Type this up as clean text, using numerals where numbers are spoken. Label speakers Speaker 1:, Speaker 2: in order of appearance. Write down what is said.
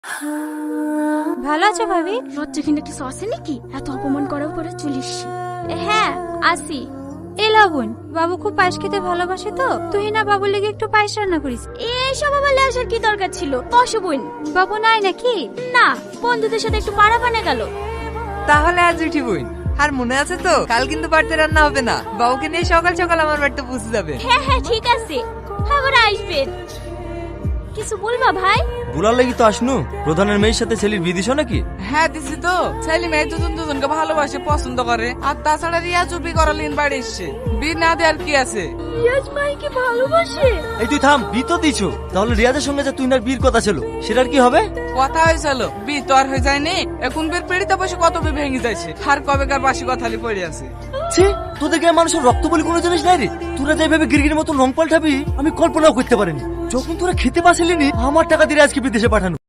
Speaker 1: ভালো আছো ভাবি? লজ্জা কিন্তু কিছু আছে নাকি? এত অপমান করার পরে চলিস? হ্যাঁ আসি। এ লাবণ, বাবু খুব পায়েস খেতে ভালোবাসে তো তুই না বাবুর লেগে একটু পায়েস রান্না করিস। এইসব আবার আসার কি দরকার ছিল? বসো বোন। বাবু নাই নাকি? না, বন্ধুদের সাথে একটু পাড়া বানা গেল।
Speaker 2: তাহলে আজ উঠি বোন। আর মনে আছে তো কাল কিন্তু বাড়িতে রান্না হবে না, বাবুকে নিয়ে সকাল সকাল আমার বাড়িতে পৌঁছে যাবে।
Speaker 1: হ্যাঁ হ্যাঁ ঠিক আছে, আবার আসবেন। কিছু বলবা ভাই?
Speaker 3: বুলার লাগি তো আসনু, প্রধানের মেয়ের সাথে ছেলের বিয়ে দিছো নাকি?
Speaker 4: হ্যাঁ দিছি তো। ছেলে মেয়ে দুজন দুজনকে ভালোবাসে, পছন্দ করে। আর তাছাড়া রিয়া চুপি করালিন বাড়ি এসছে, বিয়ে না দেওয়ার কি আছে?
Speaker 1: রিয়াজ ভাইকে ভালোবাসে?
Speaker 3: এই তুই থাম, বিয়ে তো দিছো, তাহলে রিয়াদের সঙ্গে যে তুই না বিয়ের কথা ছিল সেটার কি হবে?
Speaker 4: কথা হয়েছিল, বিয়ে তো আর হয়ে যায়নি। এখন বের পেড়িতে বসে কত বিয়ে ভেঙে যাচ্ছে, আর কবেকার বাসি কথালি পড়ে আছে।
Speaker 3: ছি, তোদের গায়ে মানুষের রক্ত বলে কোনো জিনিস নাই রে। তোরা যেভাবে গিরগির মতো রং পাল্টাবি আমি কল্পনাও করতে পারিনি। যখন তোরা খেতে পারছিলি নি, আমার টাকা দিয়ে আজকে বিদেশে পাঠানো।